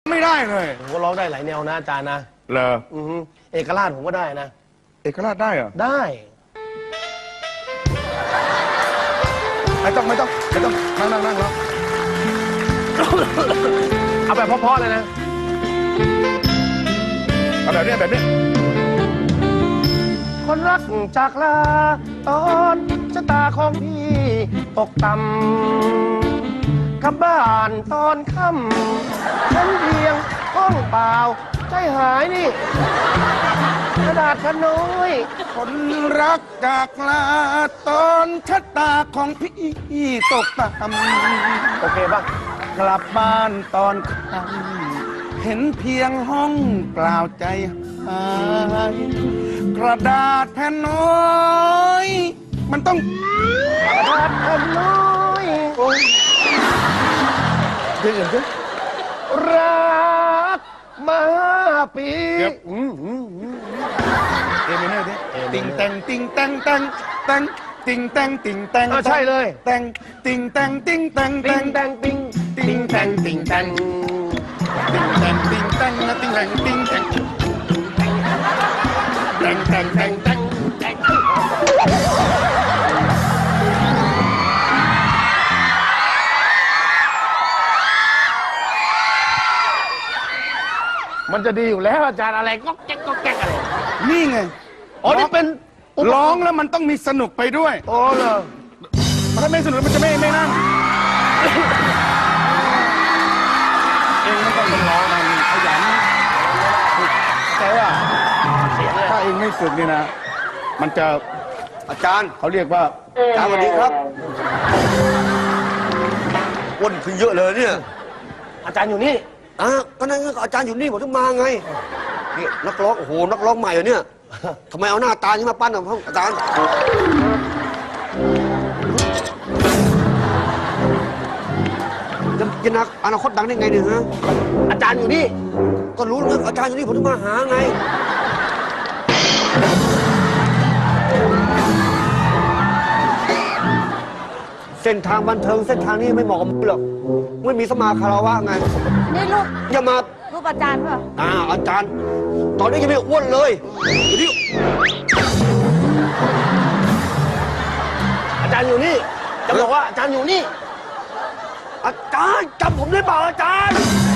ไม่ได้เลยผมก็ร้องได้หลายแนวนะอาจารย์นะเหรอเอกราชผมก็ได้นะเอกราชได้เหรอได้ไม่ต้องนั่งแล้วเอาแบบเพราะๆเลยนะเอาแบบนี้คนรักจากลาตอนชะตาของพี่ตกต่ำกลับบ้านตอนค่ำฉันเพียงห้องเปล่าใจหายนี่กระดาษขน้อยคนรักจากลาตอนชะตาของพี่ตกต่ำโอเคป่ะกลับบ้านตอนค่ำเห็นเพียงห้องเปล่าใจหายกระดาษแผ่นน้อยมันต้องกระดาษแผ่นน้อยเดี๋ยวรักมาปีเมเนอร์ดิติงแตงติงแตงแตงแตงติงแตงติงแตงใช่เลยแตงติงแตงติงแตงติงแตงติงติงแตงติงแตงติงแตงติงแตงนะติงแตงติงแตงแตงแตงแตงแตงมันจะดีอยู่แล้วอาจารย์อะไรก็แก๊กก็แก๊กอะไรนี่ไงอ๋อนี่เป็นร้องแล้วมันต้องมีสนุกไปด้วยโอ้เหรอถ้าไม่สนุกมันจะไม่นั่งเองไม่ต้องเป็นร้องมันขยันแต่ว่าถ้าเองไม่ฝึกนี่นะมันจะอาจารย์เขาเรียกว่าอาจารย์สวัสดีครับอ้วนขึ้นเยอะเลยเนี่ยอาจารย์อยู่นี่ก็นั่นก็อาจารย์อยู่นี่ผมต้องมาไงนี่นักร้องโอ้โหนักร้องใหม่เหรอเนี่ยทำไมเอาหน้าตานี้มาปั้นอ่ะอาจารย์จะนักอนาคตดังได้ไงเนี่ยฮะอาจารย์อยู่นี่ก็รู้นะอาจารย์อยู่นี่ผมต้องมาหาไงเส้นทางบันเทิงเส้นทางนี้ไม่เหมาะกับมึงหรอกไม่มีสมาคารวะไงนี่ลูกอย่ามารูปอาจารย์เปล่าอาจารย์ตอนนี้ยังไม่อ้วนเลยเดี๋ยวอาจารย์อยู่นี่จะบอกว่าอาจารย์อยู่นี่อาจารย์จำผมได้เปล่าอาจารย์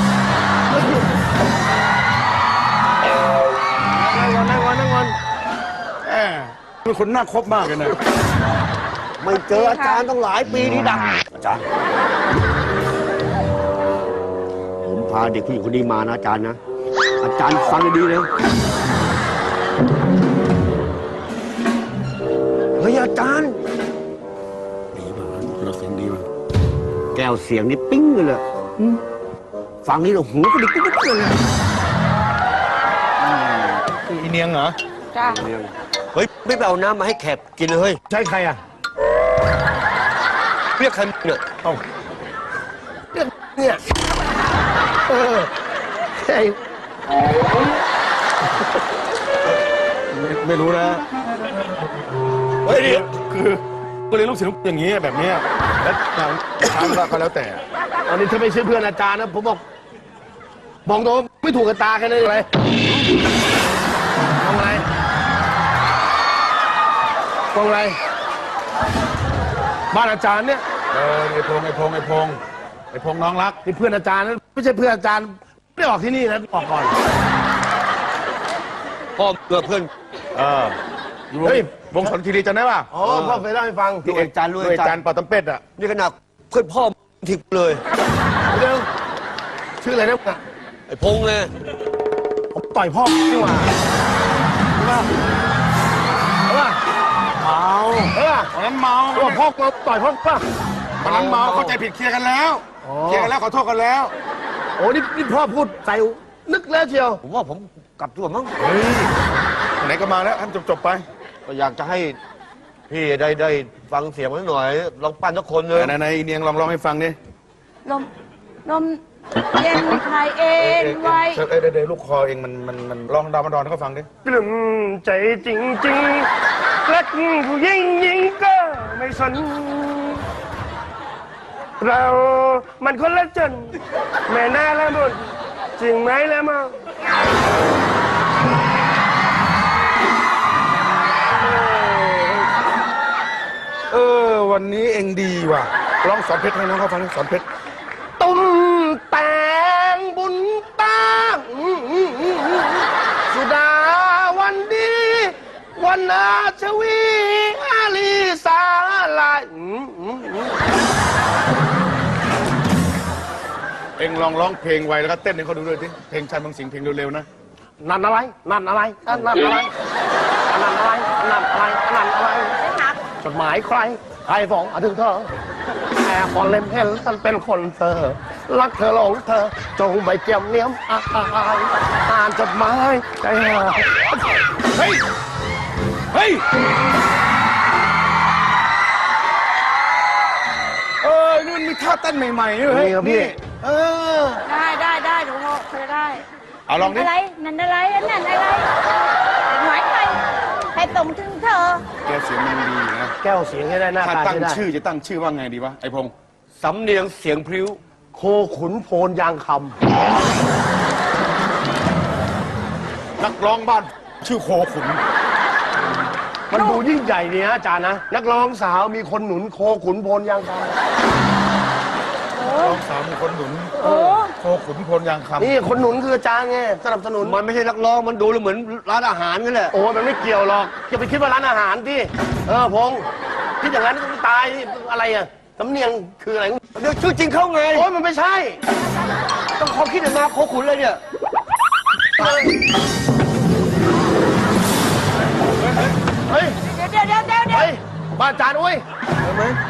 นั่งก่อนเป็นคนน่าคบมากเลยนะไม่เจออาจารย์ต้องหลายปีนี่ดังอาจารย์ผมพาเด็กผู้หญิงคนนี้มานะอาจารย์นะอาจารย์ฟังดีนะเฮ้ยอาจารย์ดีมากเราเสียงดีมากแก้วเสียงนี่ปิ้งเลยฟังนี่เราหูกระดิกปิ๊งเลยอีเนียงเหรอจ้าเฮ้ยไม่ไปเอาน้ำมาให้แขกกินเลยเฮ้ยใช่ใครอ่ะเรียกใครเนี่ยเนี่ยใช่ไม่รู้นะเฮ้ยคือก็เลยลูกศิษย์อย่างนี้แบบนี้แล้วทางก็แล้วแต่ตอนนี้ถ้าไม่ใช่เพื่อนอาจารย์นะผมบอกตรงไม่ถูกกับตาแค่นั้นเลยมองอะไรบ้านอาจารย์เนี่ยไอ้พงน้องรักนี่เพื่อนอาจารย์นะไม่ใช่เพื่อนอาจารย์ไม่ออกที่นี่นะออกก่อนพ่อเพื่อนเฮ้ยวงสนคีรีจำได้ป่ะอ๋อพ่อเคยเล่าให้ฟังที่อาจารย์ด้วยอาจารย์ปอตำเป็ดอ่ะนี่ขนาดเพื่อนพ่อทิ้งเลยเรื่องชื่ออะไรนะไอ้พงเลยผมต่อยพ่อนี่หว่าใช่ป่ะเมาวันนั้นเมาพ่อต่อยพ่อป่ะวันนั้นเมาเข้าใจผิดเคลียร์กันแล้วขอโทษกันแล้วโอ้นี่พ่อพูดใส่นึกแล้วเชียวผมว่าผมกลับตัวมั้งไหนก็มาแล้วท่านจบไปก็อยากจะให้พี่ได้ฟังเสียงมันหน่อยลองปั้นทุกคนเลยไหนเนียงลองให้ฟังดินมเย็นไทยเอ็นไว้เดี๋ยวลูกคอเองมันลองดามดอนให้เขาฟังดิปลื้มใจจริงๆรักผู้หญิงก็ไม่สนเรามันคนละจนแม่น่าละมุนจริงไหมแล้วมั้งวันนี้เองดีว่ะลองสอนเพชรให้น้องเขาฟังดิสอนเพชรตุ้มแต่งบุญตาสุดาวันดีวันนาชวีอาลีสาลายเองลองร้องเพลงไวแล้วก็เต้นให้เขาดูด้วยดิเพลงชายเมืองสิงห์เพลงเร็วๆนะนั่นอะไรนั่นอะไรนั่นอะไรนั่นอะไรนั่นอะไรนั่นอะไรไม่หักจดหมายใครใครฟ้องถึงเธอแอบพอเล่มเห็นฉันเป็นคนเธอรักเธอหลงเธอจงไปเจียมเนียมอ่านจดหมายใจหายเฮ้ยเฮ้ยนี่มันมีท่าเต้นใหม่ๆด้วยเฮ้ยนี่ครับพี่เออได้หนูพอจะได้เอาลองดิอะไรนั่นอะไรนั่นอะไรหมายใครใครส่งถึงเธอแกเสียงมันดีนะแก้วเสียงให้ได้หน้าถ้าตาตั้งใช้ได้ชื่อจะตั้งชื่อว่าไงดีวะไอพงษ์สำเนียงเสียงพริ้วโคขุนโพนยางคนักร้องบ้านชื่อโคขุนำมันดูยิ่งใหญ่ดีนะอาจารย์นะนักร้องสาวมีคนหนุนโคขุนโพนยางคร้องสาวมีคนหนุนโอ้โคขุนพลยางคำำนี่คนหนุนคืออาจารย์ไงสนับสนุนมันไม่ใช่นักร้องมันดูแล้วเหมือนร้านอาหารกันแหละโอ้ยมันไม่เกี่ยวหรอกอย่าไปคิดว่าร้านอาหารที่พงษ์คิดอย่างนั้นก็ตายอะไรอ่ะสำเนียงคืออะไรเดี๋ยวชื่อจริงเขาไงโอ้ยมันไม่ใช่ต้องความคิดมาโคขุนเลยเนี่ยเฮ้ยเดี๋ยวเฮ้ยบ้านอาจารย์อุ้ยเห็นไหม